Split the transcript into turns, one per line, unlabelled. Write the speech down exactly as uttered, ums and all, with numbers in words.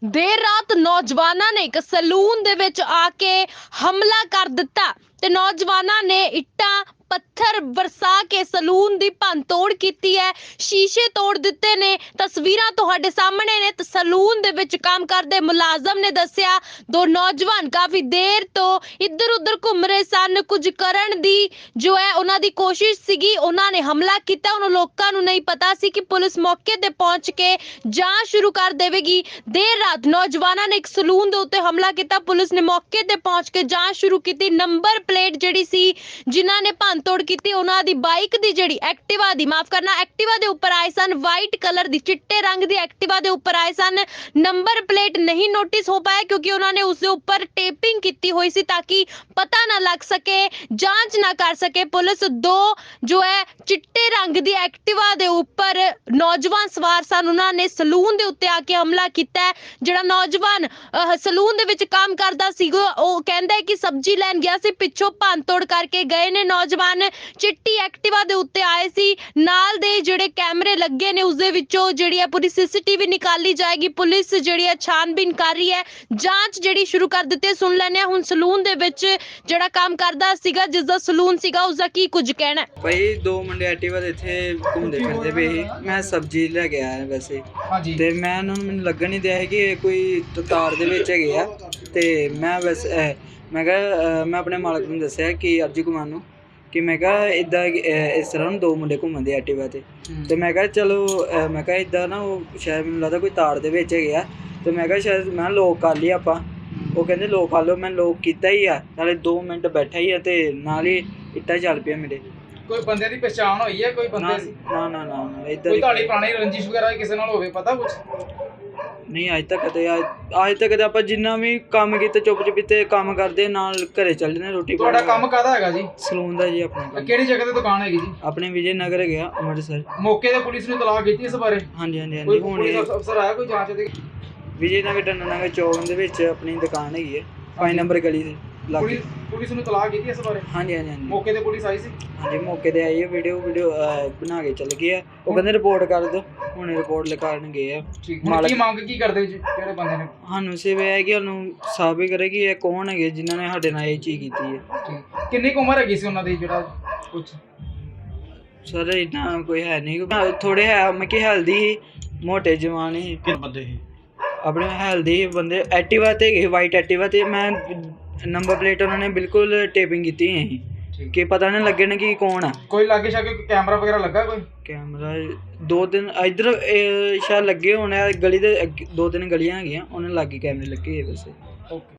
देर रात नौजवानों ने एक सलून दे विच आके हमला कर दिता ते नौजवानों ने इट्टां पत्थर बरसा के सलून दी भंन तोड़ कीती है, शीशे तोड़ दिते ने। तस्वीरां तुहाडे सामने ने। ते सलून दे विच काम करदे मुलाजम ने दस्सिया दो नौजवान काफी देर तो इधर उधर घूम रहे सन, कुछ करन दी जो है उन्हां दी कोशिश सीगी, उन्हां ने हमला कीता। उन्हां लोकां नूं नहीं पता सी कि पुलिस मौके ते पहुंच के जांच शुरू कर देवेगी। देर रात नौजवानों ने एक सलून दे उत्ते हमला किया। पुलिस ने मौके ते पहुंच के जांच शुरू की। नंबर प्लेट जिहड़ी सी जिन्हां ने भंन तोड़ की उन्हां दी बाइक दी जिहड़ी एक्टिवा दी माफ करना एक्टिवा दे उपर आए सन, वाइट कलर दी चिट्टे रंग दी एक्टिवा दे उपर आए सन। नंबर प्लेट नहीं नोटिस हो पाया क्योंकि उन्होंने उसके ऊपर टेपिंग की हुई सी ताकि पता ना लग सके, जांच ना कर सके पुलिस। दो जो है चिट्टे रंग दी एक्टिवा दे उपर नौजवान सवार सन, उन्होंने सलून दे उत्ते आके हमला किया है। जिहड़ा नौजवान सलून दे विच काम करदा सीगा ओह कहंदा है कि सब्जी लैन गया सी, पिछों भंन तोड़ करके गए ने नौजवान। चिट्टी एक्टिवा दे उत्ते आए सी, नाल दे जिहड़े कैमरे लगे ने उसदे विचों जिहड़ी है पूरी सीसीटीवी निकाली जाएगी। पुलिस जिहड़ी है छानबीन कर रही है, जांच जिहड़ी शुरू कर दित्ती है। सुन लैने हुण सलून दे विच जिहड़ा काम करदा सीगा, जिसदा सलून सीगा, उसदा की कुछ कहना है।
भाई दो मुंडे एक्टिवा दे इत्थे घूमदे फिरदे पे ही, मैं सब्जी ले के आया वैसे ते मैं उन्हां नूं मैनूं लगन नहीं दिया है कि कोई तार दे विच हैगे आ ते मैं वैसे मैं कहा मैं अपने मालक नूं दस्सिया कि अर्जी कुमार नूं कि मैं कहा इदा इस तरह दो मुंडे घूमन दे एक्टिवा ते ते मैं कहा चलो मैं कहा इदा ना वो शायद मैनूं लगदा कोई तार दे विच हैगे आ ते मैं कहा शायद मैं लॉक कर लिया आपां। वो कहंदे लॉक कर लो, मैं लॉक कीता ही आ, नाले दो मिनट बैठा ही आ ते नाल ही इट्टा चल पिया मेरे।
कोई बंदे दी पहचान होई है? कोई बंदे
ना ना ना ना इधर
कोई ਤੁਹਾਡੀ ਪੁਰਾਣੀ ਰੰਜਿਸ਼ ਵਗੈਰਾ ਕਿਸੇ ਨਾਲ ਹੋਵੇ ਪਤਾ ਕੁਝ?
नहीं अज तक कदे अज तक कदे ਆਪਾਂ ਜਿੰਨਾ ਵੀ ਕੰਮ ਕੀਤੇ ਚੁੱਪ ਚੁਪੀਤੇ ਕੰਮ ਕਰਦੇ ਨਾਲ ਘਰੇ ਚੱਲ ਜਨੇ ਰੋਟੀ ਪਾਣੀ।
ਤੁਹਾਡਾ ਕੰਮ ਕਾਹਦਾ ਹੈਗਾ ਜੀ?
ਸਲੂਨ ਦਾ ਜੀ ਆਪਣਾ।
ਕਿਹੜੀ ਜਗ੍ਹਾ ਤੇ ਦੁਕਾਨ ਹੈਗੀ ਜੀ?
ਆਪਣੇ ਵਿਜੇ ਨਗਰ ਗਿਆ ਅੰਮ੍ਰਿਤਸਰ।
ਮੌਕੇ ਤੇ ਪੁਲਿਸ ਨੇ ਤਲਾਕ ਕੀਤੀ ਇਸ ਬਾਰੇ?
ਹਾਂਜੀ ਹਾਂਜੀ ਹਾਂਜੀ
ਕੋਈ
ਹੁਣ
ਪੁਲਿਸ ਅਫਸਰ ਆਇਆ ਕੋਈ ਜਾਂਚ ਦੇ?
ਵਿਜੇ ਨਗਰ ਟੰਨਾ ਨਗਰ ਚੌਕ ਦੇ ਵਿੱਚ ਆਪਣੀ ਦੁਕਾਨ ਹੈਗੀ ਹੈ ਪੰਜ ਨੰਬਰ ਗਲੀ ਦੇ ਲਾਗੇ।
ਪੁਲਿਸ ਨੂੰ ਤਲਾਕ ਕੀਤੀ ਇਸ ਬਾਰੇ?
ਹਾਂਜੀ ਹਾਂਜੀ ਹਾਂਜੀ
ਮੌਕੇ ਤੇ ਪੁਲਿਸ ਆਈ ਸੀ?
ਹਾਂਜੀ ਮੌਕੇ ਤੇ ਆਈ ਹੈ, ਵੀਡੀਓ ਵੀਡੀਓ ਬਣਾ ਕੇ ਚੱਲ ਗਏ ਆ। ਉਹ ਕਹਿੰਦੇ ਰਿਪੋਰਟ ਕਰ ਦਿਓ, ਹੁਣ ਰਿਪੋਰਟ ਲਿਖਾਉਣ ਗਏ ਆ।
ਠੀਕ ਹੈ, ਕੀ ਮੰਗ ਕੀ ਕਰਦੇ ਜੀ ਕਿਹੜੇ ਬੰਦੇ ਨੇ?
ਸਾਨੂੰ ਸਿਰਫ ਇਹ ਹੈ ਕਿ ਉਹਨੂੰ ਸਾਬਿਤ ਕਰੇ ਕਿ ਇਹ ਕੌਣ ਹੈਗੇ ਜਿਨ੍ਹਾਂ ਨੇ ਸਾਡੇ ਨਾਲ ਇਹ ਚੀਜ਼ ਕੀਤੀ ਹੈ।
ਠੀਕ, ਕਿੰਨੀ ਕੁ ਉਮਰ ਹੈਗੀ ਸੀ ਉਹਨਾਂ ਦੀ ਜਿਹੜਾ ਕੁਝ?
ਸਰ ਇੰਨਾ ਕੋਈ ਹੈ ਨਹੀਂ, ਥੋੜੇ ਹੈ ਮੈਂ ਕਿ ਹੈਲਦੀ ਸੀ, ਮੋਟੇ ਜਵਾਨ ਸੀ।
ਕਿੰਨੇ ਬੰਦੇ ਸੀ?
ਆਪਣੇ ਹੈਲਦੀ ਬੰਦੇ ਐਕਟਿਵਾ ਤੇ ਗਏ, ਵਾਈਟ ਐਕਟਿਵਾ ਤੇ। ਮੈਂ ਨੰਬਰ ਪਲੇਟ ਉਹਨਾਂ ਨੇ ਬਿਲਕੁਲ ਟੇਪਿੰਗ ਕੀਤੀ ਹੋਈ ਸੀ ਕਿ ਪਤਾ ਨਾ ਲੱਗੇ ਨਾ ਕਿ ਕੌਣ ਆ।
ਕੋਈ ਲਾਗੇ ਸ਼ਾਗੇ ਕੈਮਰਾ ਵਗੈਰਾ ਲੱਗਾ? ਕੋਈ
ਕੈਮਰਾ ਦੋ ਤਿੰਨ ਇੱਧਰ ਸ਼ਾਇਦ ਲੱਗੇ ਹੋਣੇ, ਗਲੀ ਦੇ ਦੋ ਤਿੰਨ ਗਲੀਆਂ ਹੈਗੀਆਂ ਉਹਨਾਂ ਲਾਗੇ ਕੈਮਰੇ ਲੱਗੇ ਹੋਏ ਵੈਸੇ।
ਓਕੇ।